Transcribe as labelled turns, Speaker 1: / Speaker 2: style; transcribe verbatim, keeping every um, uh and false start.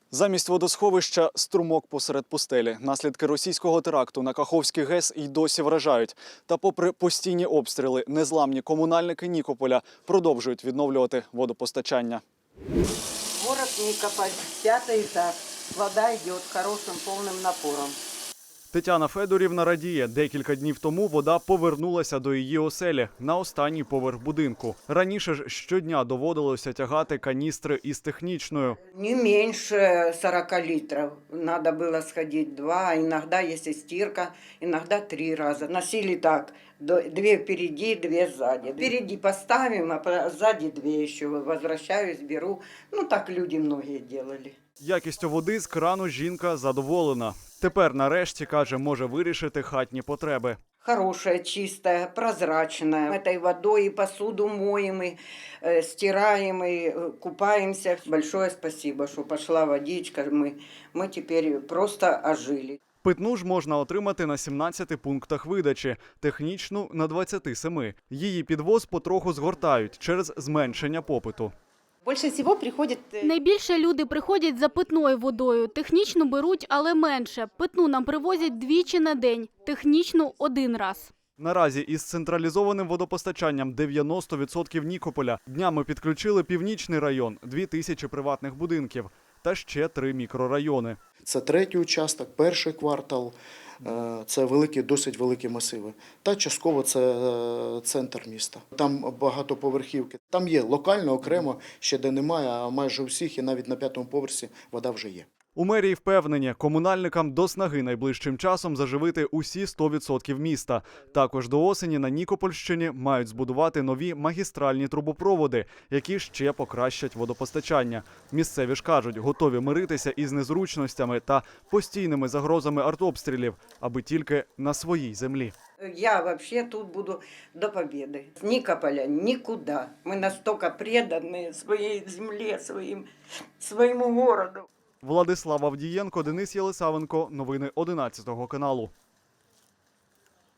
Speaker 1: Замість водосховища – струмок посеред пустелі. Наслідки російського теракту на Каховський ГЕС й досі вражають. Та попри постійні обстріли, незламні комунальники Нікополя продовжують відновлювати водопостачання.
Speaker 2: Город Никополь, пятый этаж. Вода идет хорошим полным напором.
Speaker 1: Тетяна Федорівна радіє. Декілька днів тому вода повернулася до її оселі на останній поверх будинку. Раніше ж щодня доводилося тягати каністри із технічною.
Speaker 2: Не меньше сорока литров. Надо было сходить два, иногда, если стирка, иногда три раза. Носили так, две впереди, две сзади. Впереди поставим, а сзади две еще. Возвращаюсь, беру. Ну так люди многие делали.
Speaker 1: Якістю води з крану жінка задоволена. Тепер нарешті, каже, може вирішити хатні потреби.
Speaker 2: Хорошая, чистая, прозрачная. Этой водой и посуду моем, и э, стираем, и э, купаемся. Большое спасибо, что пошла водичка. Мы, мы теперь просто ожили.
Speaker 1: Питну ж можна отримати на сімнадцяти пунктах видачі, технічну – на двадцяти семи. Її підвоз потроху згортають через зменшення попиту.
Speaker 3: Більше всього приходять...
Speaker 4: Найбільше люди приходять за питною водою. Технічну беруть, але менше. Питну нам привозять двічі на день, технічну – один раз.
Speaker 1: Наразі із централізованим водопостачанням дев'яносто відсотків Нікополя днями підключили Північний район, дві тисячі приватних будинків та ще три мікрорайони.
Speaker 5: Це третій участок, перший квартал, це великі, досить великі масиви. Та частково це центр міста. Там багатоповерхівки. Там є локально, окремо, ще де немає, а майже у всіх і навіть на п'ятому поверсі вода вже є.
Speaker 1: У мерії впевнені, комунальникам до снаги найближчим часом заживити усі сто відсотків міста. Також до осені на Нікопольщині мають збудувати нові магістральні трубопроводи, які ще покращать водопостачання. Місцеві ж кажуть, готові миритися із незручностями та постійними загрозами артобстрілів, аби тільки на своїй землі.
Speaker 2: Я вообще тут буду до победы. С Никополя никуда. Мы настолько преданы своей земле, своим, своему городу.
Speaker 1: Владислав Авдієнко, Денис Єлисавенко. Новини одинадцятого каналу.